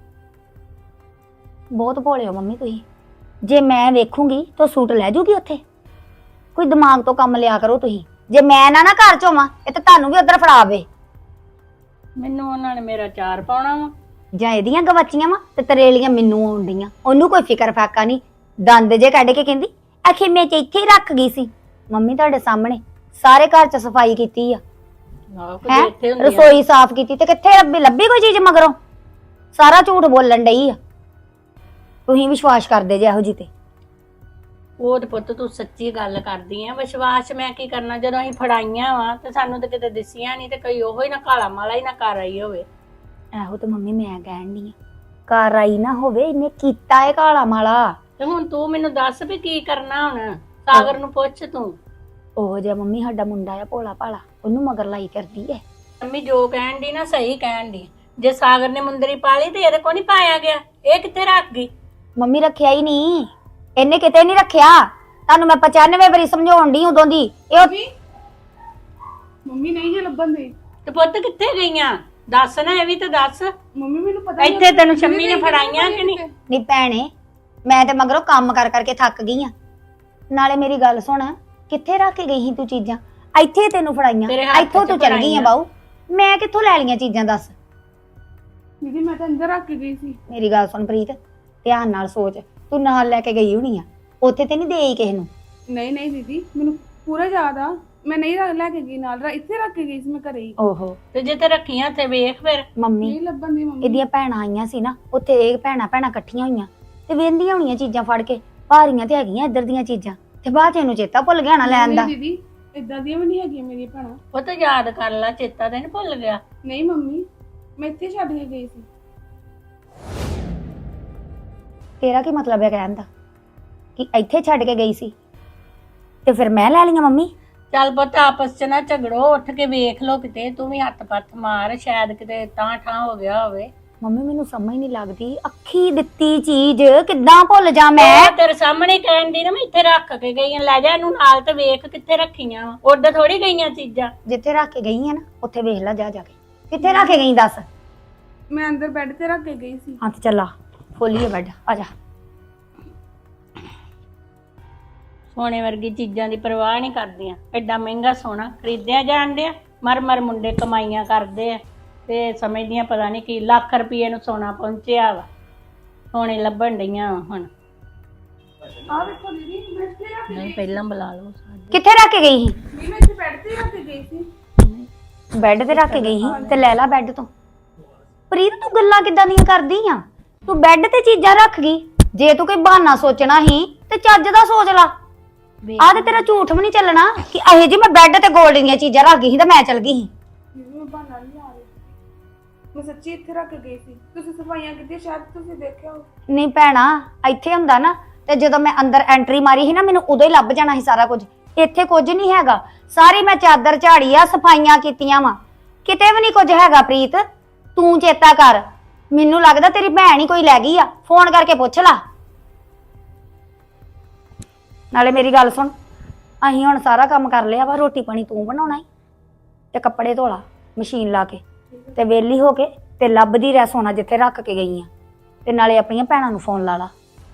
Speaker 3: ਬਹੁਤ ਭੋਲੇ ਹੋ ਮੰਮੀ ਤੁਸੀਂ। ਜੇ ਮੈਂ ਵੇਖੂੰਗੀ ਤਾਂ ਸੂਟ ਲੈ ਜੂਗੀ ਉੱਥੇ। ਕੋਈ ਦਿਮਾਗ ਤੋਂ ਕੰਮ ਲਿਆ ਕਰੋ ਤੁਸੀਂ। ਜੇ ਮੈਂ ਨਾ ਘਰ ਚ ਹੋਵਾਂ ਇਹ ਤਾਂ ਤੁਹਾਨੂੰ ਵੀ ਉਧਰ ਫੜਾਵੇ।
Speaker 2: ਮੈਨੂੰ ਉਹਨਾਂ ਨੇ ਮੇਰਾ ਚਾਰ ਪਾਉਣਾ ਵਾ।
Speaker 3: ਜਾਂ ਇਹਦੀਆਂ ਗਵਾਚੀਆਂ ਵਾ ਤੇ ਤਰੇਲੀਆਂ ਮੈਨੂੰ ਆਉਂਦੀਆਂ। ਉਹਨੂੰ ਕੋਈ ਫਿਕਰ ਫਾਕਾ ਨਹੀਂ। ਦੰਦ ਜੇ ਕੱਢ ਕੇ ਕਹਿੰਦੀ ਆਖੇ ਮੈਂ ਤੇ ਇੱਥੇ ਹੀ ਰੱਖ ਗਈ ਸੀ। ਮੰਮੀ ਤੁਹਾਡੇ ਸਾਹਮਣੇ ਸਾਰੇ ਘਰ ਚ ਸਫਾਈ ਕੀਤੀ ਆ,
Speaker 2: ਆਹੋ,
Speaker 3: ਹੈ
Speaker 2: ਕਦੇ ਇੱਥੇ ਹੁੰਦੀਆਂ।
Speaker 3: ਰਸੋਈ ਸਾਫ਼ ਕੀਤੀ ਤੇ ਕਿੱਥੇ ਲੱਭੀ ਕੋਈ ਚੀਜ਼ ਮਗਰੋਂ? ਸਾਰਾ ਝੂਠ ਬੋਲਣ ਡਈ ਆ। ਤੁਸੀਂ ਵਿਸ਼ਵਾਸ ਕਰਦੇ ਜੇ ਇਹੋ ਜੀ ਤੇ।
Speaker 2: ਉਹ ਤੇ ਪੁੱਤ ਤੂੰ ਸੱਚੀ ਗੱਲ ਕਰਦੀ ਆ। ਵਿਸ਼ਵਾਸ ਮੈਂ ਕੀ ਕਰਨਾ, ਜਦੋਂ ਅਸੀਂ ਫੜਾਈਆਂ ਵਾ ਤੇ ਸਾਨੂੰ ਤਾਂ ਕਿਤੇ ਦਿਸੀਆਂ ਨਹੀਂ ਤੇ ਕੋਈ ਉਹੋ ਹੀ ਨਾ ਕਾਲਾ ਮਾਲਾ ਹੀ ਨਾ ਕਰ ਆਈ ਹੋਵੇ।
Speaker 3: ਇਹੋ ਤੇ ਮੰਮੀ ਮੈਂ ਕਹਿਣ ਡਈ ਆ, ਘਰ ਆਈ ਨਾ ਹੋਵੇ, ਇਹਨੇ ਕੀਤਾ ਏ ਕਾਲਾ ਮਾਲਾ।
Speaker 2: ਤੇ ਹੁਣ ਤੂੰ ਮੈਨੂੰ ਦੱਸ ਵੀ ਕੀ ਕਰਨਾ ਹੁਣ? ਸਾਗਰ ਨੂੰ ਪੁੱਛ ਤੂੰ।
Speaker 3: ਉਹ ਜਿਹਾ ਮੰਮੀ ਸਾਡਾ ਮੁੰਡਾ ਆ ਭੋਲਾ ਭਾਲਾ, ਉਹਨੂੰ ਮਗਰ ਲਾਈ ਕਰਦੀ ਏ।
Speaker 2: ਮੰਮੀ ਜੋ ਕਹਿਣ ਦੀ ਨਾ ਸਹੀ ਕਹਿਣ ਦੀ। ਜੇ ਸਾਗਰ ਨੇ ਮੁੰਦਰੀ ਪਾਲੀ ਤੇ ਇਹਦੇ ਕੋ ਨਹੀਂ ਪਾਇਆ ਗਿਆ, ਇਹ ਕਿੱਥੇ ਰੱਖ ਗਈ?
Speaker 3: ਮੰਮੀ ਰੱਖਿਆ ਹੀ ਨਹੀਂ, ਇਹਨੇ ਕਿਤੇ ਨਹੀਂ ਰੱਖਿਆ। ਤੁਹਾਨੂੰ ਮੈਂ 95 ਵਾਰੀ ਸਮਝਾਉਣ ਡਈ ਉਦੋਂ ਦੀ। ਇਹ
Speaker 1: ਮੰਮੀ ਨਹੀਂ ਜੇ ਲੱਭਣ ਦੇ।
Speaker 2: ਤੇ ਪੁੱਤ ਕਿੱਥੇ ਗਈਆਂ? ਦੱਸ ਨਾ, ਇਹ ਵੀ ਤਾਂ ਦੱਸ।
Speaker 1: ਮੰਮੀ ਮੈਨੂੰ ਪਤਾ
Speaker 2: ਇੱਥੇ ਤੈਨੂੰ ਸ਼ੰਮੀ ਨੇ ਫੜਾਈਆਂ ਕਿ ਨਹੀਂ?
Speaker 3: ਨਹੀਂ ਭੈਣੇ, ਮੈਂ ਤੇ ਮਗਰੋਂ ਕੰਮ ਕਰ ਕਰਕੇ ਥੱਕ ਗਈ ਆ। ਨਾਲੇ ਮੇਰੀ ਗੱਲ ਸੁਣ, ਕਿੱਥੇ ਰੱਖ ਕੇ ਗਈ ਸੀ ਤੂੰ ਚੀਜ਼ਾਂ? ਇੱਥੇ ਤੈਨੂੰ ਫੜਾਈਆਂ,
Speaker 2: ਤੇਰੇ ਹੱਥ
Speaker 3: ਇੱਥੋਂ
Speaker 2: ਚ
Speaker 3: ਤੂੰ ਚਲ ਗਈ ਆ ਬਾਊ। ਮੈਂ ਕਿੱਥੋਂ ਲੈ ਲਈਆਂ ਚੀਜ਼ਾਂ ਦੱਸ?
Speaker 1: ਦੀਦੀ ਮੈਂ ਤਾਂ ਅੰਦਰ ਰੱਖ ਕੇ ਗਈ ਸੀ।
Speaker 3: ਮੇਰੀ ਗੱਲ ਸੁਣ ਪ੍ਰੀਤ, ਧਿਆਨ ਨਾਲ ਸੋਚ। ਤੂੰ ਨਾਲ ਲੈ ਕੇ ਗਈ ਹੋਣੀ ਆ, ਉੱਥੇ ਤੇ ਨਹੀਂ ਦੇਈ ਕਿਸੇ ਨੂੰ।
Speaker 1: ਨਹੀਂ ਦੀਦੀ ਮੈਨੂੰ ਪੂਰਾ ਯਾਦ ਆ। ਮੈਂ ਨਹੀਂ ਲੈ ਕੇ ਗਈ ਨਾਲ, ਇੱਥੇ ਰੱਖ ਕੇ ਗਈ ਸੀ ਮੈਂ ਘਰੇ ਹੀ।
Speaker 3: ਓਹੋ
Speaker 2: ਤੇ ਜੇ ਤੇ ਰੱਖੀਆਂ ਤੇ ਵੇਖ ਫਿਰ।
Speaker 3: ਮੰਮੀ,
Speaker 1: ਨਹੀਂ ਲੱਭਣ ਦੀ ਮੰਮੀ।
Speaker 3: ਇਹਦੀਆਂ ਭੈਣਾਂ ਆਈਆਂ ਸੀ ਨਾ, ਉੱਥੇ ਇਹ ਭੈਣਾਂ ਇਕੱਠੀਆਂ ਹੋਈਆਂ ਤੇ ਵੇਂਦੀਆਂ ਹੋਣੀਆਂ ਚੀਜ਼ਾਂ ਫੜ ਕੇ। ਭਾਰੀਆਂ ਤੇ ਹੈਗੀਆਂ ਇੱਧਰ ਦੀਆਂ ਚੀਜ਼ਾਂ, ਤੇ ਬਾਅਦ ਚ ਇਹਨੂੰ ਚੇਤਾ ਭੁੱਲ ਗਿਆ ਨਾ ਲੈਣ ਦਾ।
Speaker 1: ਨਹੀਂ ਦੀਦੀ ਇਦਾਂ ਦੀਆਂ ਵੀ ਨਹੀਂ ਹੈਗੀਆਂ ਮੇਰੀਆਂ ਭੈਣਾਂ।
Speaker 2: ਉਹ ਤਾਂ ਯਾਦ ਕਰ ਲੈ, ਚੇਤਾ ਤੇ ਨਹੀਂ ਭੁੱਲ ਗਿਆ।
Speaker 1: ਨਹੀਂ ਮੰਮੀ ਮੈਂ ਇੱਥੇ ਛੱਡ ਕੇ ਗਈ ਸੀ।
Speaker 3: ਤੇਰਾ ਕੀ ਮਤਲਬ ਹੈ ਕਹਿਣ ਦਾ ਕਿ ਇੱਥੇ ਛੱਡ ਕੇ ਗਈ ਸੀ ਤੇ ਫਿਰ ਮੈਂ ਲੈ ਲਈਆਂ? ਮੰਮੀ
Speaker 2: ਚੱਲ ਪੁੱਤ ਆਪਸ ਚ ਨਾ ਝਗੜੋ, ਉੱਠ ਕੇ ਵੇਖ ਲੋ ਕਿਤੇ। ਤੂੰ ਵੀ ਹੱਥ ਪੱਥ ਮਾਰ, ਸ਼ਾਇਦ ਕਿਤੇ ਤਾਂ ਠਾਂ ਹੋ ਗਿਆ ਹੋਵੇ।
Speaker 3: ਮੰਮੀ ਮੈਨੂੰ ਸਮਝ ਨਹੀਂ ਲੱਗਦੀ, ਅੱਖੀ ਦਿੱਤੀ ਚੀਜ਼ ਕਿੱਦਾਂ ਭੁੱਲ ਜਾ ਮੈਂ?
Speaker 2: ਮੈਂ ਤੇਰੇ ਸਾਹਮਣੇ ਕਹਿਣ ਦੀ ਨਾ, ਮੈਂ ਇੱਥੇ ਰੱਖ ਕੇ ਗਈ ਆਂ। ਲੈ ਜਾ ਇਹਨੂੰ ਨਾਲ ਤੇ ਵੇਖ ਕਿੱਥੇ ਰੱਖੀਆਂ ਵਾ। ਉੱਡ ਥੋੜੀ ਗਈਆਂ ਚੀਜ਼ਾਂ।
Speaker 3: ਜਿੱਥੇ ਰੱਖ ਕੇ ਗਈ ਆ ਨਾ ਉੱਥੇ ਵੇਖ ਲੈ ਜਾ ਕੇ। ਕਿੱਥੇ ਰੱਖ ਕੇ ਗਈ ਦੱਸ?
Speaker 1: ਮੈਂ ਅੰਦਰ ਬੈੱਡ ਤੇ ਰੱਖ ਕੇ ਗਈ ਸੀ।
Speaker 3: ਹਾਂ ਤੇ ਚੱਲਾ ਖੋਲੀਏ ਬੈੱਡ, ਆ ਜਾ।
Speaker 2: ਸੋਨੇ ਵਰਗੀ ਚੀਜ਼ਾਂ ਦੀ ਪਰਵਾਹ ਨਹੀਂ ਕਰਦੀਆਂ। ਐਡਾ ਮਹਿੰਗਾ ਸੋਨਾ ਖਰੀਦਿਆ ਜਾਣ ਡਿਆ। ਮਰ ਮੁੰਡੇ ਕਮਾਈਆਂ ਕਰਦੇ ਆ ਤੇ ਸਮਝਦੀਆਂ ਪਤਾ ਨਹੀਂ ਕੀ ਲੱਖ ਰੁਪਏ ਨੂੰ ਸੋਨਾ ਪਹੁੰਚਿਆ ਵਾ। ਸੋਨੇ ਲੱਭਣ ਡਈਆਂ ਹੁਣ।
Speaker 1: ਆਹ ਵੇਖੋ ਦੀਦੀ ਮੈਂ ਇੱਥੇ ਰੱਖ ਕੇ
Speaker 2: ਨਹੀਂ ਪਹਿਲਾਂ ਬੁਲਾ ਲਓ ਸਾਡੇ।
Speaker 3: ਕਿੱਥੇ ਰੱਖ ਕੇ ਗਈ ਸੀ?
Speaker 1: ਨਹੀਂ ਮੈਂ ਇੱਥੇ ਬੈੱਡ ਤੇ ਰੱਖ ਕੇ ਗਈ ਸੀ।
Speaker 3: ਬੈੱਡ ਤੇ ਰੱਖ ਕੇ ਗਈ ਸੀ ਤੇ ਲੈ ਲਾ ਬੈੱਡ ਤੋਂ। ਪ੍ਰੀਤ ਤੂੰ ਗੱਲਾਂ ਕਿੱਦਾਂ ਦੀਆਂ ਕਰਦੀ ਆ? ਤੂੰ ਬੈੱਡ ਤੇ ਚੀਜ਼ਾਂ ਰੱਖ ਗਈ। ਜੇ ਤੂੰ ਕੋਈ ਬਹਾਨਾ ਸੋਚਣਾ ਸੀ ਤੇ ਚੱਜ ਦਾ ਸੋਚ ਲਾ। ਆਹ ਤੇ ਤੇਰਾ ਝੂਠ ਵੀ ਨਹੀਂ ਚੱਲਣਾ ਕਿ ਇਹ ਜੀ ਮੈਂ ਬੈੱਡ ਤੇ ਗੋਲਡ ਦੀਆਂ ਚੀਜ਼ਾਂ ਰੱਖ ਗਈ ਸੀ ਤੇ ਮੈਂ ਚਲ ਗਈ ਸੀ।
Speaker 1: ਦੀਦੀ ਮੈਂ ਬਹਾਨਾ ਨਹੀਂ ਆ ਰਹੀ। ਮੈਂ ਸੱਚੀ ਇੱਥੇ ਰੱਖ ਕੇ ਗਈ ਸੀ। ਤੁਸੀਂ ਸਫਾਈਆਂ ਕੀਤੀਆਂ, ਸ਼ਾਇਦ ਤੁਸੀਂ ਦੇਖਿਆ ਹੋ।
Speaker 3: ਨਹੀਂ ਭੈਣਾ, ਇੱਥੇ ਹੁੰਦਾ ਨਾ ਤੇ ਜਦੋਂ ਮੈਂ ਅੰਦਰ ਐਂਟਰੀ ਮਾਰੀ ਸੀ ਨਾ, ਮੈਨੂੰ ਉਦੋਂ ਹੀ ਲੱਭ ਜਾਣਾ ਸੀ ਸਾਰਾ ਕੁਝ। ਇੱਥੇ ਕੁਝ ਨਹੀਂ ਹੈਗਾ। ਸਾਰੀ ਮੈਂ ਚਾਦਰ ਝਾੜੀ ਆ, ਸਫਾਈਆਂ ਕੀਤੀਆਂ ਵਾ, ਕਿਤੇ ਵੀ ਨਹੀਂ ਕੁਝ ਹੈਗਾ। ਪ੍ਰੀਤ ਤੂੰ ਚੇਤਾ ਕਰ, ਮੈਨੂੰ ਲੱਗਦਾ ਤੇਰੀ ਭੈਣ ਹੀ ਕੋਈ ਲੈ ਗਈ ਆ। ਫੋਨ ਕਰਕੇ ਪੁੱਛ ਲਾ। ਨਾਲੇ ਮੇਰੀ ਗੱਲ ਸੁਣ, ਅਸੀਂ ਹੁਣ ਸਾਰਾ ਕੰਮ ਕਰ ਲਿਆ ਵਾ। ਰੋਟੀ ਪਾਣੀ ਤੂੰ ਬਣਾਉਣਾ ਈ ਤੇ ਕੱਪੜੇ ਧੋਲਾ ਮਸ਼ੀਨ ਲਾ ਕੇ, ਤੇ ਵੇਲੀ ਹੋ ਕੇ ਤੇ ਲੱਭਦੀ ਰਹਿ ਸੋਨਾ ਜਿੱਥੇ ਰੱਖ ਕੇ ਗਈ ਆ। ਤੇ ਨਾਲੇ ਆਪਣੀਆਂ ਭੈਣਾਂ ਨੂੰ ਫੋਨ ਲਾ ਲਾ।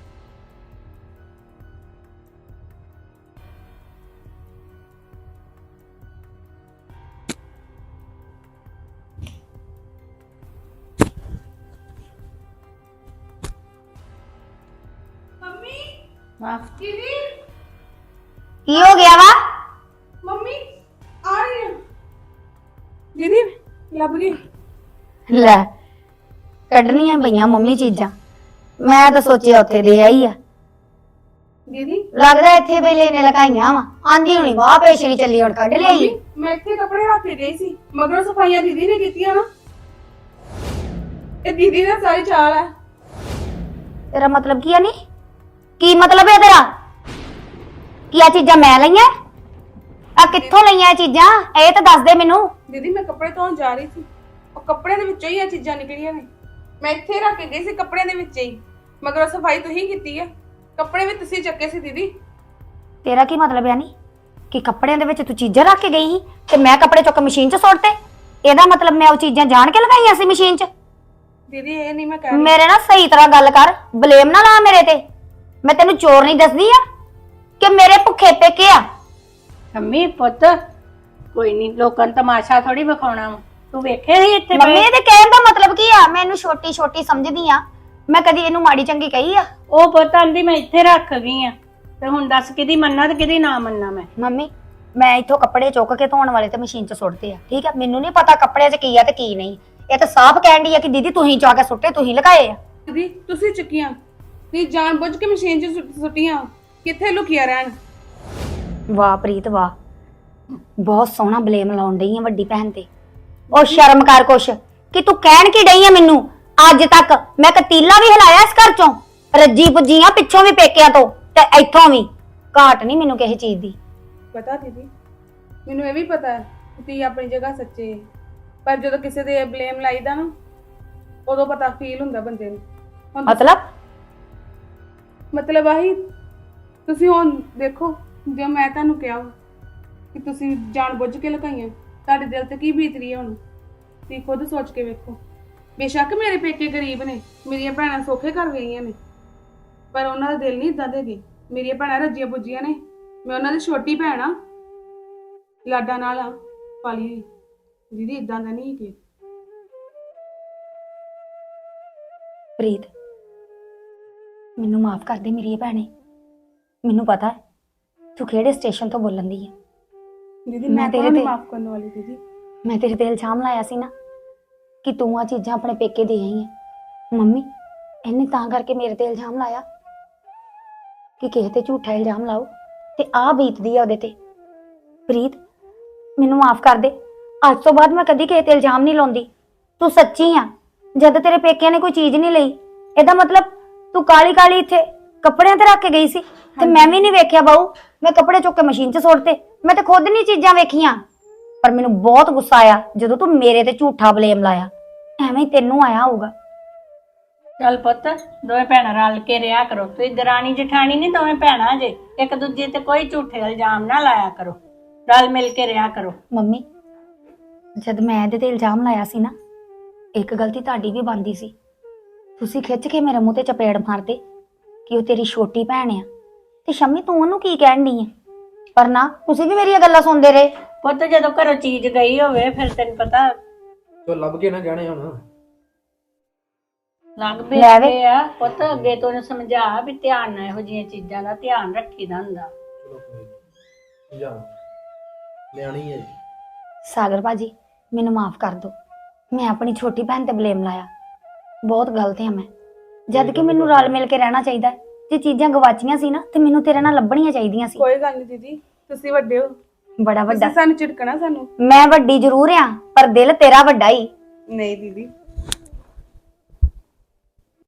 Speaker 1: ਮੰਮੀ
Speaker 2: ਵਾਹ,
Speaker 1: ਦੀਦੀ
Speaker 3: ਕੀ ਹੋ ਗਿਆ ਵਾ?
Speaker 1: ਮੰਮੀ ਆ ਰਹੀ ਹੈ। ਦੀਦੀ ਲੱਭ ਗਈ।
Speaker 3: ਲੈ ਕੱਢਣੀਆਂ ਪਈਆਂ ਮੰਮੀ ਚੀਜ਼ਾਂ। ਮੈਂ ਤਾਂ ਸੋਚਿਆ ਉੱਥੇ ਦੇ ਆਈ ਆ।
Speaker 1: ਦੀਦੀ
Speaker 3: ਲੱਗਦਾ ਇੱਥੇ ਵੇਲੇ ਨੇ ਲਗਾਈਆਂ ਵਾ। ਆਂਦੀ ਹੁਣੀ ਵਾਹ ਪੇਸ਼ਰੀ ਚੱਲੀ, ਹੁਣ ਕੱਢ ਲਿਆਈ।
Speaker 1: ਮੈਂ ਇੱਥੇ ਕੱਪੜੇ ਰੱਖ ਕੇ ਗਈ ਸੀ, ਮਗਰੋਂ ਸਫਾਈਆਂ ਦੀਦੀ ਨੇ ਕੀਤੀਆਂ ਨਾ। ਇਹ ਦੀਦੀ ਦਾ ਸਾਰੀ ਚਾਲ ਹੈ।
Speaker 3: ਤੇਰਾ ਮਤਲਬ ਕੀ ਆ? ਨਹੀਂ ਕੀ ਮਤਲਬ ਹੈ ਤੇਰਾ? ਕੀ ਆ ਚੀਜ਼ਾਂ ਮੈਂ ਲਈਆਂ? ਆ ਕਿੱਥੋਂ ਲਈਆਂ ਇਹ ਚੀਜ਼ਾਂ? ਇਹ ਤਾਂ ਦੱਸ ਦੇ ਮੈਨੂੰ।
Speaker 1: ਦੀਦੀ ਮੈਂ ਕੱਪੜੇ ਧੋਣ ਜਾ ਰਹੀ ਸੀ, ਉਹ ਕੱਪੜਿਆਂ ਦੇ ਵਿੱਚੋਂ ਹੀ ਇਹ ਚੀਜ਼ਾਂ ਨਿਕਲੀਆਂ ਨੇ। ਮੈਂ ਇੱਥੇ ਰੱਖ ਕੇ ਗਈ ਸੀ ਕੱਪੜਿਆਂ ਦੇ ਵਿੱਚ ਹੀ, ਮਗਰੋਂ ਸਫਾਈ ਤੁਸੀਂ ਕੀਤੀ ਹੈ। ਕੱਪੜੇ ਵੀ ਤੁਸੀਂ ਚੱਕੇ ਸੀ ਦੀਦੀ।
Speaker 3: ਤੇਰਾ ਕੀ ਮਤਲਬ ਹੈ? ਨਹੀਂ ਕਿ ਕੱਪੜਿਆਂ ਦੇ ਵਿੱਚ ਤੂੰ ਚੀਜ਼ਾਂ ਰੱਖ ਕੇ ਗਈ ਸੀ ਤੇ ਮੈਂ ਕੱਪੜੇ ਚੁੱਕ ਮਸ਼ੀਨ 'ਚ ਸੁੱਟਤੇ? ਇਹਦਾ ਮਤਲਬ ਮੈਂ ਉਹ ਚੀਜ਼ਾਂ ਜਾਣ ਕੇ ਲਗਾਈਆਂ ਸੀ ਮਸ਼ੀਨ 'ਚ?
Speaker 1: ਦੀਦੀ ਇਹ ਨਹੀਂ ਮੈਂ ਕਹਿ ਰਹੀ।
Speaker 3: ਮੇਰੇ ਨਾਲ ਸਹੀ ਤਰ੍ਹਾਂ ਗੱਲ ਕਰ, ਬਲੇਮ ਨਾ ਲਾ ਮੇਰੇ ਤੇ। ਮੈਂ ਤੈਨੂੰ ਚੋਰ ਨਹੀਂ ਦੱਸਦੀ ਆ ਕਿ ਮੇਰੇ ਭੁੱਖੇ ਪੇਕੇ ਆ।
Speaker 2: ਮੰਮੀ ਪੁੱਤ ਕੋਈ ਨਹੀਂ, ਲੋਕਾਂ ਨੂੰ ਤਮਾਸ਼ਾ ਥੋੜੀ ਵਿਖਾਉਣਾ ਵਾ। ਤੂੰ ਵੇਖੇ ਸੀ ਇੱਥੇ
Speaker 3: ਮੰਮੀ
Speaker 2: ਪਏ?
Speaker 3: ਇਹਦੇ ਕਹਿਣ ਦਾ ਮਤਲਬ ਕੀ ਆ? ਮੈਂ ਇਹਨੂੰ ਛੋਟੀ ਛੋਟੀ ਸਮਝਦੀ ਆ, ਮੈਂ ਕਦੀ ਇਹਨੂੰ ਮਾੜੀ ਚੰਗੀ ਕਹੀ ਆ?
Speaker 2: ਉਹ ਪੁੱਤ ਆਂਦੀ ਮੈਂ ਇੱਥੇ ਰੱਖ ਗਈ ਆ, ਤੇ ਹੁਣ ਦੱਸ ਕਿਹਦੀ ਮੰਨਾਂ ਤੇ ਕਿਹਦੀ ਨਾ ਮੰਨਾਂ ਮੈਂ।
Speaker 3: ਮੰਮੀ ਮੈਂ ਇੱਥੋਂ ਕੱਪੜੇ ਚੁੱਕ ਕੇ ਧੋਣ ਵਾਲੇ ਤੇ ਮਸ਼ੀਨ 'ਚ ਸੁੱਟਦੇ ਆ, ਠੀਕ ਆ? ਮੈਨੂੰ ਨਹੀਂ ਪਤਾ ਕੱਪੜਿਆਂ 'ਚ ਕੀ ਆ ਤੇ ਕੀ ਨਹੀਂ। ਇਹ ਤਾਂ ਸਾਫ਼ ਕਹਿਣ ਦੀ ਆ ਕਿ ਦੀਦੀ ਤੁਸੀਂ ਜਾ ਕੇ ਸੁੱਟੇ, ਤੁਸੀਂ ਲਗਾਏ ਆ।
Speaker 1: ਦੀਦੀ ਤੁਸੀਂ ਚੁੱਕੀਆਂ, ਤੁਸੀਂ ਜਾਣ ਬੁੱਝ ਕੇ ਮਸ਼ੀਨ 'ਚ ਸੁੱਟੀਆਂ, ਕਿੱਥੇ ਲੁਕੀਆਂ ਰਹਿਣ।
Speaker 3: ਵਾਹ ਪ੍ਰੀਤ ਵਾਹ, ਬਹੁਤ ਸੋਹਣਾ ਬਲੇਮ ਲਾਉਣ ਡਈ ਆ ਵੱਡੀ ਭੈਣ ਤੇ। ਉਹ ਸ਼ਰਮ ਕਰ ਕੁਛ, ਕਿ ਤੂੰ ਕਹਿਣ ਕੀ ਡਈ ਆ ਮੈਨੂੰ? ਅੱਜ ਤੱਕ ਮੈਂ ਕਤੀਲਾ ਵੀ ਹਿਲਾਇਆ ਇਸ ਘਰ 'ਚੋਂ, ਰੱਜੀ ਪੁੱਜੀ ਆ ਪਿੱਛੋਂ ਵੀ ਪੇਕਿਆਂ ਤੋਂ ਤੇ ਇੱਥੋਂ ਵੀ। ਘਾਟ ਨਹੀਂ ਮੈਨੂੰ ਕਿਸੇ ਚੀਜ਼ ਦੀ।
Speaker 1: ਪਤਾ ਦੀਦੀ, ਮੈਨੂੰ ਇਹ ਵੀ ਪਤਾ ਹੈ ਕਿ ਤੁਸੀਂ ਆਪਣੀ ਜਗ੍ਹਾ ਸੱਚੇ, ਪਰ ਜਦੋਂ ਕਿਸੇ ਦੇ ਬਲੇਮ ਲਾਈਦਾ ਨਾ, ਉਦੋਂ ਪਤਾ ਫੀਲ ਹੁੰਦਾ ਬੰਦੇ ਨੂੰ। ਹੁਣ ਮਤਲਬ ਆਹੀ ਤੁਸੀਂ ਹੁਣ ਦੇਖੋ, ਜੇ ਮੈਂ ਤੁਹਾਨੂੰ ਕਿਹਾ ਵਾ ਕਿ ਤੁਸੀਂ ਜਾਣ ਬੁੱਝ ਕੇ ਲਗਾਈਆਂ, ਤੁਹਾਡੇ ਦਿਲ ਤੇ ਕੀ ਬੀਤ ਰਹੀ ਹੈ ਹੁਣ? ਤੁਸੀਂ ਖੁਦ ਸੋਚ ਕੇ ਵੇਖੋ। ਬੇਸ਼ੱਕ ਮੇਰੇ ਪੇਕੇ ਗਰੀਬ ਨੇ, ਮੇਰੀਆਂ ਭੈਣਾਂ ਸੌਖੇ ਘਰ ਗਈਆਂ ਨੇ, ਪਰ ਉਹਨਾਂ ਦਾ ਦਿਲ ਨਹੀਂ ਇਦਾਂ ਦੇ ਗਏ। ਮੇਰੀਆਂ ਭੈਣਾਂ ਰੱਜੀਆਂ ਪੁੱਜੀਆਂ ਨੇ, ਮੈਂ ਉਹਨਾਂ ਦੀ ਛੋਟੀ ਭੈਣ ਆ, ਲਾਡਾ ਨਾਲ ਆ ਪਾਲੀ ਹੋਈ। ਦੀਦੀ ਇਦਾਂ ਦਾ ਨਹੀਂ ਕਿ
Speaker 3: ਪ੍ਰੀਤ ਮੈਨੂੰ ਮਾਫ ਕਰ ਦੇ ਮੇਰੀ ਭੈਣੇ, ਮੈਨੂੰ ਪਤਾ ਹੈ ਤੂੰ ਕਿਹੜੇ ਸਟੇਸ਼ਨ ਤੋਂ ਬੋਲਣ ਦੀ ਹੈ।
Speaker 1: ਦੀਦੀ
Speaker 3: ਮੈਂ
Speaker 1: ਮੈਂ
Speaker 3: ਤੇਰੇ
Speaker 1: ਤੇਰੇ
Speaker 3: ਤੇ-
Speaker 1: ਮਾਫ ਕਰਨ ਵਾਲੀ ਦੀਦੀ।
Speaker 3: ਮੈਂ ਤੇਰੇ ਤੇ ਇਲਜ਼ਾਮ ਲਾਇਆ ਸੀ ਨਾ ਕਿ ਤੂੰ ਆ ਚੀਜ਼ਾਂ ਆਪਣੇ ਪੇਕੇ ਦੇ ਆਈ ਹੈ। ਮੰਮੀ ਇਹਨੇ ਤਾਂ ਕਰਕੇ ਮੇਰੇ ਤੇ ਇਲਜ਼ਾਮ ਲਾਇਆ ਕਿ ਕਿਸੇ ਤੇ ਝੂਠਾ ਇਲਜ਼ਾਮ ਲਾਓ ਤੇ ਆ ਬੀਤਦੀ ਆ ਉਹਦੇ ਤੇ। ਪ੍ਰੀਤ ਮੈਨੂੰ ਮਾਫ ਕਰ ਦੇ, ਅੱਜ ਤੋਂ ਬਾਅਦ ਮੈਂ ਕਦੀ ਕਿਸੇ ਤੇ ਇਲਜ਼ਾਮ ਨਹੀਂ ਲਾਉਂਦੀ। ਤੂੰ ਸੱਚੀ ਆ, ਜਦ ਤੇਰੇ ਪੇਕਿਆਂ ਨੇ ਕੋਈ ਚੀਜ਼ ਨਹੀਂ ਲਈ, ਇਹਦਾ ਮਤਲਬ ਤੂੰ ਕਾਲੀ ਕਾਲੀ ਇੱਥੇ ਕੱਪੜਿਆਂ ਤੇ ਰੱਖ ਕੇ ਗਈ ਸੀ ਤੇ ਮੈਂ ਵੀ ਨਹੀਂ ਵੇਖਿਆ ਬਾਊ। ਮੈਂ ਕੱਪੜੇ ਚੁੱਕ ਕੇ ਮਸ਼ੀਨ 'ਚ ਸੁੱਟਤੇ, ਮੈਂ ਤੇ ਖੁਦ ਨਹੀਂ ਚੀਜ਼ਾਂ ਵੇਖੀਆਂ। ਪਰ ਮੈਨੂੰ ਬਹੁਤ ਗੁੱਸਾ ਆਇਆ ਜਦੋਂ ਤੂੰ ਮੇਰੇ ਤੇ ਝੂਠਾ ਬਲੇਮ ਲਾਇਆ। ਐਵੇਂ ਹੀ ਤੈਨੂੰ ਆਇਆ ਹੋਊਗਾ।
Speaker 2: ਚੱਲ ਪੁੱਤ ਦੋਵੇਂ ਭੈਣਾਂ ਰਲ ਕੇ ਰਿਹਾ ਕਰੋ। ਤੁਸੀਂ ਦਰਾਣੀ ਜਠਾਣੀ ਨਹੀਂ, ਦੋਵੇਂ ਭੈਣਾਂ ਜੇ, ਇੱਕ ਦੂਜੇ ਤੇ ਕੋਈ ਝੂਠੇ ਇਲਜ਼ਾਮ ਨਾ ਲਾਇਆ ਕਰੋ, ਰਲ ਮਿਲ ਕੇ ਰਿਹਾ ਕਰੋ।
Speaker 3: ਮੰਮੀ ਜਦ ਮੈਂ ਇਹਦੇ ਤੇ ਇਲਜ਼ਾਮ ਲਾਇਆ ਸੀ ਨਾ, ਇੱਕ ਗਲਤੀ ਤੁਹਾਡੀ ਵੀ ਬਣਦੀ ਸੀ। ਤੁਸੀਂ ਖਿੱਚ ਕੇ ਮੇਰੇ ਮੂੰਹ ਤੇ ਚਪੇੜ ਮਾਰਦੇ ਕਿ ਉਹ ਤੇਰੀ ਛੋਟੀ ਭੈਣ ਆ ਤੇ ਸ਼ੰਮੀ ਤੂੰ ਉਹਨੂੰ ਕੀ ਕਹਿਣ ਡਈ ਆ। ਪਰ ਨਾ, ਤੁਸੀਂ ਵੀ ਮੇਰੀਆਂ ਗੱਲਾਂ ਸੁਣਦੇ ਰਹੇ।
Speaker 2: ਪੁੱਤ ਜਦੋਂ ਘਰੋਂ ਚੀਜ਼ ਗਈ ਹੋਵੇ ਫਿਰ ਤੈਨੂੰ ਪਤਾ
Speaker 4: ਤੋ ਲੱਭ ਕੇ ਨਾ ਜਾਣੇ ਹੁਣ।
Speaker 2: ਲੱਗ
Speaker 3: ਲੈ ਵੇ।
Speaker 2: ਬੇ ਆ। ਪੁੱਤ ਅੱਗੇ ਤੋਂ ਉਹਨੂੰ ਸਮਝਾ ਵੀ ਧਿਆਨ ਨਾਲ ਇਹੋ ਜਿਹੀਆਂ ਚੀਜ਼ਾਂ ਦਾ ਧਿਆਨ ਰੱਖੀਦਾ ਹੁੰਦਾ।
Speaker 4: ਚਲੋ ਕੋਈ ਨੀ। ਜਾ ਲਿਆਣੀ ਹੈ ਜੀ।
Speaker 3: ਸਾਗਰ ਭਾਜੀ ਮੈਨੂੰ ਮਾਫ ਕਰ ਦਿਓ, ਮੈਂ ਆਪਣੀ ਛੋਟੀ ਭੈਣ ਤੇ ਬਲੇਮ ਲਾਇਆ। ਬਹੁਤ ਗਲਤ ਹਾਂ ਮੈਂ, ਜਦ ਕਿ ਮੈਨੂੰ ਰਲ ਮਿਲ ਕੇ ਰਹਿਣਾ ਚਾਹੀਦਾ। ਜੇ ਚੀਜ਼ਾਂ ਗਵਾਚੀਆਂ ਸੀ ਨਾ ਤੇ ਮੈਨੂੰ ਤੇਰੇ ਨਾਲ ਲੱਭਣੀਆਂ ਚਾਹੀਦੀਆਂ ਸੀ।
Speaker 1: ਕੋਈ ਗੱਲ ਨਹੀਂ ਦੀਦੀ, ਤੁਸੀਂ ਵੱਡੇ ਹੋ,
Speaker 3: ਬੜਾ ਵੱਡਾ।
Speaker 1: ਤੁਸੀਂ ਸਾਨੂੰ ਝਿੜਕਣਾ ਸਾਨੂੰ।
Speaker 3: ਮੈਂ ਵੱਡੀ ਜ਼ਰੂਰ ਆ ਪਰ ਦਿਲ ਤੇਰਾ ਵੱਡਾ ਹੀ।
Speaker 1: ਨਹੀਂ ਦੀਦੀ